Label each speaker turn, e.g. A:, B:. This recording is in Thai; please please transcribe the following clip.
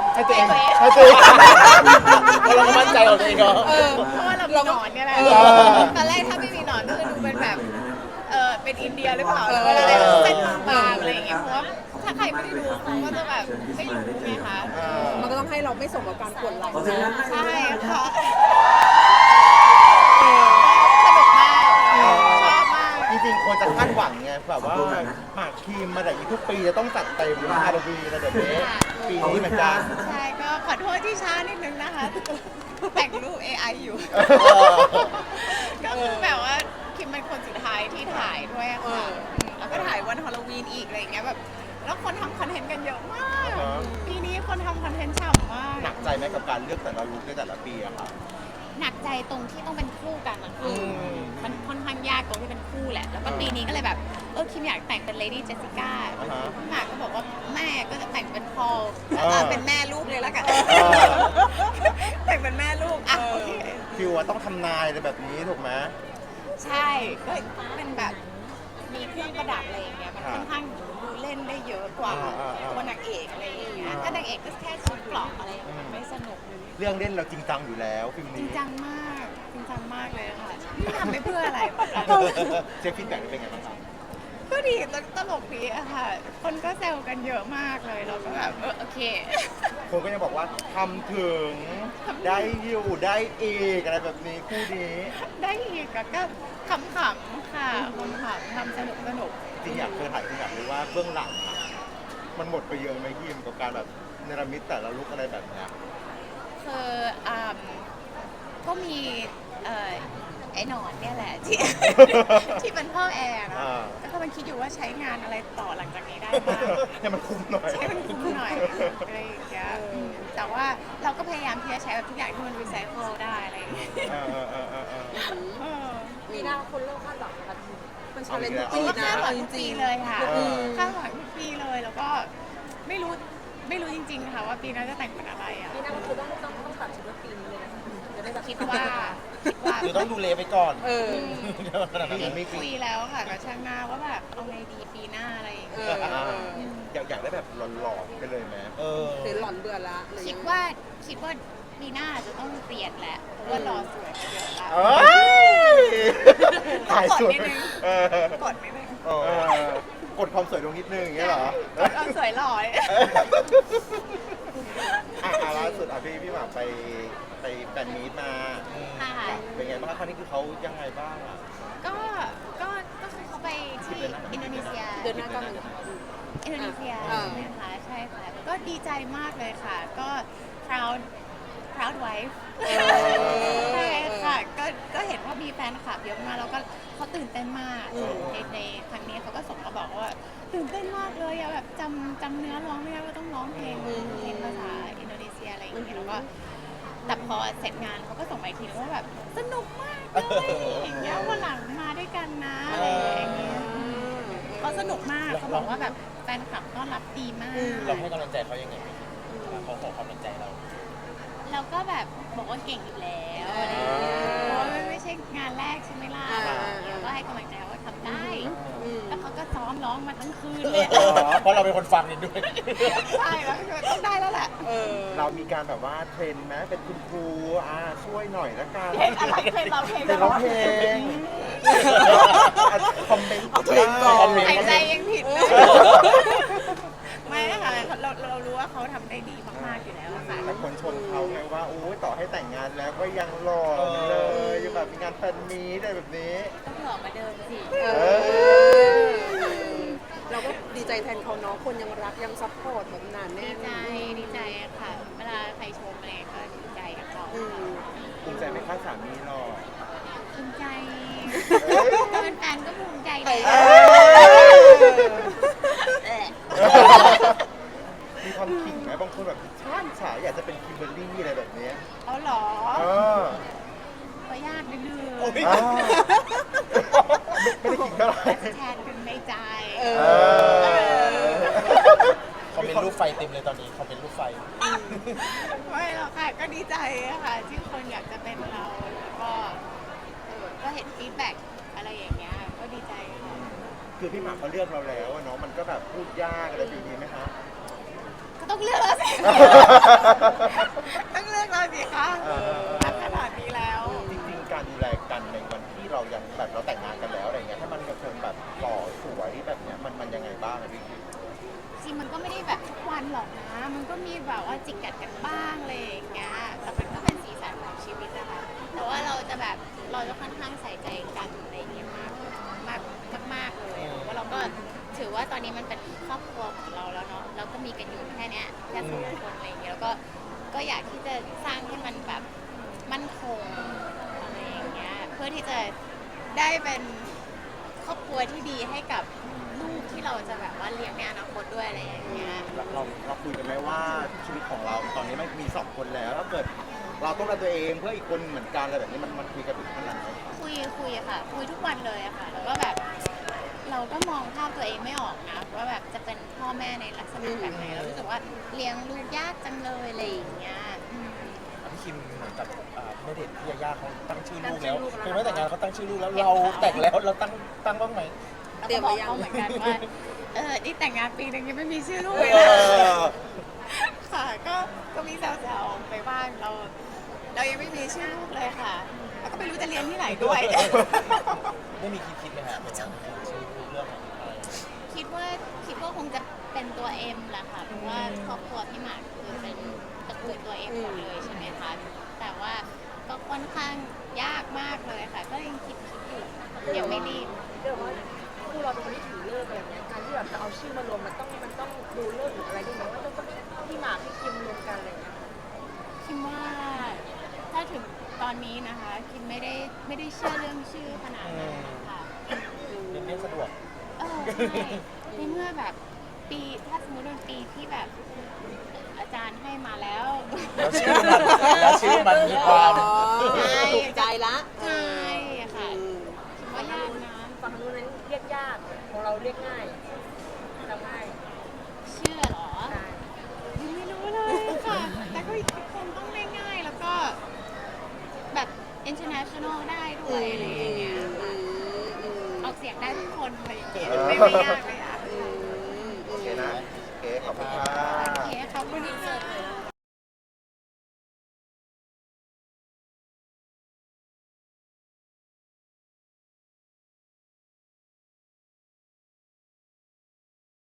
A: ให้ตัวเองให้ตัวเองเราก็มั่นใจของตัวเองก็
B: เพราะว่าเรามีหนอนเนี่ยแหละตอนแรกถ้าไม่มีหนอนก็จะดูเป็นแบบเป็นอินเดียหรือเปล่าแล้วก็เลยเส้นบางอะไรอย่างเงี้ยเพราะว่าถ้าใครไม่ได้ดูเขาก็จะแบบไม่รู้ไงคะ
C: มันก็ต้องให้เราไม่สมกับการปวดไหล่
B: ใช่ค่ะสนุกมากชอบมาก
A: จริงๆควรจะคาดหวังไงแบบว่าหมากคิมมาแต่ทุกปีจะต้องจัดเต็มฮาโลวีนอะไรแบบนี้ปีนี้เหมือนกัน
B: ใช่ก็ขอโทษที่ช้านิดนึงนะคะแต่งรูป AI อยู่ก็คือแบบว่าคิมเป็นคนสุดท้ายที่ถ่ายด้วยค่ะแล้วก็ถ่ายวันฮาโลวีนอีกอะไรอย่างเงี้ยแบบแล้วคนทำคอนเทนต์กันเยอะมากปีนี้คนทำคอนเทนต์ฉ่ำมาก
A: หนักใจไหมกับการเลือกแต่ละลุคในแต่ละปีอะค่ะ
B: หนักใจตรงที่ต้องเป็นคู่กันอะมันค่อนข้างยากตรงที่เป็นคู่แหละแล้วก็ปีนี้ก็เลยแบบคิมอยากแต่งเป็นเลดี้เจสสิก้าหมากก็บอกว่าแม่ก็จะแต่งเป็นพอลแล้วเป็นแม่ลูกเลยแล้วกันแต่งเป็นแม่ลูกอ่ะโอเค
A: ฟิวว่าต้องทำนายอะไรแบบนี้ถูกไหม
B: ใช่ก็เป็นแบบมีเครื่องประดับอะไรอย่างเงี้ยมันค่อนข้างดูเล่นได้เยอะกว่าตัวนางเอกอะไรอย่างเงี้ยถ้านางเอกก็แค่ชุดเกราะอะไรมันไม่สนุก
A: เรื่องเล่นเราจริงจังอยู่แล้วฟิล์มนี้
B: จริงจังมากจริงจังมากเลยค่ะไม่ทำไปเพื่ออะไร
A: เช็คฟีดแบ็กเป็นไงบ้างครับ
B: ก็ดีตลกดีอะค่ะคนก็แซวกันเยอะมากเลยเราก็แบบโอเค
A: คนก็ยังบอกว่าทำถึงได้อยู่ได้อีกอะไรแบบนี้คู่นี้
B: ได้อีกก็ขำๆค่ะขำๆทำสนุก
A: จริงอยากถ่ายจริงอยากรู้ว่าเบื้องหลังมันหมดไปเยอะไหมยิมกับการแบบเนรมิตแต่ละลุคอะไรแบบนี้
B: คือก็มีไอ้หนอนเนี่ยแหละที่เป็นพ่อแอร์นะแล้วก็มันคิดอยู่ว่าใช้งานอะไรต่อหลังจากนี้ได้บ้าง
A: ให้มันคุ้มหน่อย
B: ใช้มันคุ้มหน่อยอะไรอย่างเงี้ยแต่ว่าเราก็พยายามที่จะใช้แบบทุกอย่างที่มันรีไซเคิลได้อะไรอย่างเงี้ย
C: ปีหน้าคนเริ่มคาดหวังกันมันชาเลนจ์
B: จริงๆคาดหวังทุกปีเลยค่ะคาดหวังทุกปีเลยแล้วก็ไม่รู้จริงๆค่ะว่าปีหน้าจะแต่งเป็นอะไรอ่ะ
C: ปีหน้าคือต้องตัดชุดปีนี้เลยจะได้แบบ
B: คิดว่า
A: คือต้องดูเลไปก่อน
B: ไม่คุยแล้วค่ะกับช่างหน้าว่าแบบเอาไงดีปีหน้าอะไรอย่างเงี้ย
A: อยากได้แบบหลอนๆไปเลยไหม
C: หรือหลอนเบื่อละ
B: คิดว่าปีหน้าจะต้องเปลี่ยนแหละเพราะว่ารอสวยเยอะแล้ว
A: ถ่ายสวย
B: กดไม่ได้
A: กดความสวยลงนิดนึงอย่างเงี้ยเหรอก
B: ดความสวยหล่อ
A: ล่าสุดพี่หมากไปแฟนมีตมาเป็นไงบ้างครั้งนี้คือเขายังไงบ้างอ่ะ
B: ก็คือเขาไปที่อินโดนีเซีย
C: เดือนหน้าก็มี
B: อินโดนีเซียใช่ไหมคะใช่ค่ะก็ดีใจมากเลยค่ะก็ proud wife ใช่ค่ะก็เห็นว่ามีแฟนคลับเยอะมากแล้วก็เขาตื่นเต้นมากในครั้งนี้เขาก็ส่งมาบอกว่าตื่นเต้นมากเลยแบบจำเนื้อร้องไม่ได้ว่าต้องร้องเพลงภาษาอินโดนีเซียอะไรอย่างเงี้ยแล้วก็แต่พอเสร็จงานเขาก็ส่งมาอีกทีว่าแบบสนุกมากเลยอย่างเงี้ยวันหลังมาด้วยกันนะอะไรอย่างเงี้ยเขาสนุกมากเขาบอกว่าแบบแฟนคลับต้อนรับดีมาก
A: เราให้กำลังใจเขายังไงเขาขอกำลังใจ
B: เราก็แบบบอกว่าเก่งอยู่แล้วอะไรอย่างเงี้ยเพราะไม่ใช่งานแรกใช่ไหมล่ะเราก็ให้กำลังใจว่าทำได้แล้วเขาก็ซ้อมร้องมาทั้งคืนเลย
A: เพราะเราเป็นคนฟังนี่ด้วย
B: ใช่แล้วต้องได้แล้วแหละ
A: เรามีการแบบว่าเทรนไหมเป็นคุณครูช่วยหน่อยละกัน
B: เทรนอะไรเทรนเราเพลง
A: คอมเมนต์
B: หายใจยังผิดเลยไม่ค่ะเรารู้ว่าเขาทำได้ดีมากๆอยู่แล้วค่ะ
A: แต่คนชมเขาไงว่าโอ้ยต่อให้แต่งงานแล้วก็ยังหล่อเลยยังแบบมีงานแฟนมีตอะไรแบบนี้
B: ต้องหล่อมาเดิมสิ
C: เราก็ดีใจแทนเขาเนาะคนยังรักยังซัพพอร์ตแบบนานแน่
B: ดีใจค่ะเวลาใครชมอะไรก็ดีใจกับเขา
A: ภูมิใจไหมคะสามีหล่อ
B: ภูมิใจเป็นแฟนก็ภูมิใจเลย
A: มีความขิงไหมบางคนแบบฉายอยากจะเป็นคิมเบอร์รี่อะไรแบบนี้
B: เอาหรอก็ยากนิดนึง
A: ไม่ได้ขิงเท่าไหร่
B: แทนกันในใจ
A: เขาเป็นรูปไฟเต็มเลยตอนนี้เขาเป็นรูปไฟ
B: ไม่หรอกค่ะก็ดีใจค่ะที่คนอยากจะเป็นเราแล้วก็เห็นฟีดแบ็กอะไรอย่างเงี้ยก็ดีใจค่ะ
A: คือพี่หมากเขาเลือกเราแล้วเนาะมันก็แบบพูดยากอะไรแบบนี้ไหมคะ
B: ก็ต้องต้องเลือกแล้วสิ ต้องเลือกแล้วสิคะขนาดนี้แล้ว
A: จริงๆการดูแลกันในวันที่เรายังแบบเราแต่งงานกันแล้วอะไรเงี้ยให้มันยังคงแบบหล่อสวยแบบเนี้ยมันยังไงบ้างอะพี่คิม
B: จริงมันก็ไม่ได้แบบทุกวันหรอกนะ มันก็มีแบบว่าจิกกัดกันบ้างอะไรอย่างเงี้ย แต่มันก็เป็นสีสันของชีวิตนะคะ แต่ว่าเราจะแบบเราจะค่อนข้างใส่ใจกันอะไรอย่างเงี้ยมากเลยอะเพราะเราก็ถือว่าตอนนี้มันเป็นครอบครัวของเราแล้วเนาะ เราก็มีกันอยู่แค่เนี้ยแค่สองคนอะไรอย่างเงี้ย แล้วก็อยากที่จะสร้างให้มันแบบมั่นคงอะไรอย่างเงี้ย เพื่อที่จะได้เป็นครอบครัวที่ดีให้กับลูกที่เราจะแบบว่าเลี้ยงในอนาคตด้วยอะไรอย่างเงี้ย
A: เราคุยกันไหมว่าชีวิตของเราตอนนี้มันมี2 คนแล้วถ้าเกิดเราต้องดูแลตัวเองเพื่ออีกคนเหมือนกันอะไรแบบนี้มันคุยกันถึงขนาดไหน
B: คุยอะค่ะ คุยทุกวันเลยอะค่ะ แล้วก็แบบเราก็มองภาพตัวเองไม่ออกนะว่าแบบจะเป็นพ่อแม่ในลักษณะแบบไหนเรารู้สึกว่าเลี้ยงลูกยากจังเลยอะไรอย่างเงี้ยอืม
D: พี่คิมเหมือนกับณเดชน์พี่ยาย่าเขาตั้งชื่อลูกแล้วคือไม่แต่งงานเขาตั้งชื่อลูกแล้วเราแต่งแล้วเราตั้งบ้างไหม
B: เราก็บอกเขาเหมือนกันว่านี่แต่งงานปีนึงยังไม่มีชื่อลูกเลย
A: เอ
B: นะ
A: อ
B: ค่ะก็มีแซวๆไปบ้างเรายังไม่มีชื่อลูกเลยค่ะแล้วก็ไม่รู้จะเรียนที่ไหนด้วย
D: ไม่มีคิดไหมฮะเป็นชื่อลูกเรื่องอะไร
B: คิดว่าคงจะเป็นตัวเอ็มแหละค่ะเพราะว่าครอบครัวพี่หมากคือเป็นตระกูลตัวเอ็มหมดเลยใช่ไหมคะแต่ว่าก็ค่อนข้างยากมากเลยค่ะ ก็ยังคิดอยู่ยังไม่รีบ
C: เดี๋ยวว่าคู่เราเป็นคนที่ถือเลิกอะไรเงี้ยการที่แบบจะเอาชื่อมารวมมันต้องดูเลิกหรืออะไรด้วยไหมว่าต้องพี่หมากพี่คิมรวมกันอะไรเงี้ย
B: คิดว่าถ้าถึงตอนนี้นะคะคิดไม่ได้เชื่อเรื่องชื่อขนาดนั้นค่ะ
D: เรียนสะดวก
B: ใช่ในเมื่อแบบปีถ้าสมมติเป็นปีที่แบบอาจารย์ให้มาแล้ว
D: แล้วชื่อมันมีความ
C: ถูกใจละ
B: ใช่ค่ะคิดว่ายากนะ
C: ฝั่งนู้นนั้นเรียกยากของเราเรียกง่ายทำง่าย
B: เชื่อเหรอ
C: ได้
B: ยังไม่รู้เลยค่ะ แต่ก็คงต้องง่ายๆแล้วก็แบบ international ได้ด้วยอะไรอย่างเงี้ยค่ะออกเสียงได้ทุกคนอะไรอย่างเงี้ยไม่ยากเลยอ่ะ
A: โอเคนะโอเคขอบคุณค่ะ
B: โอเคขอบคุณค่ะ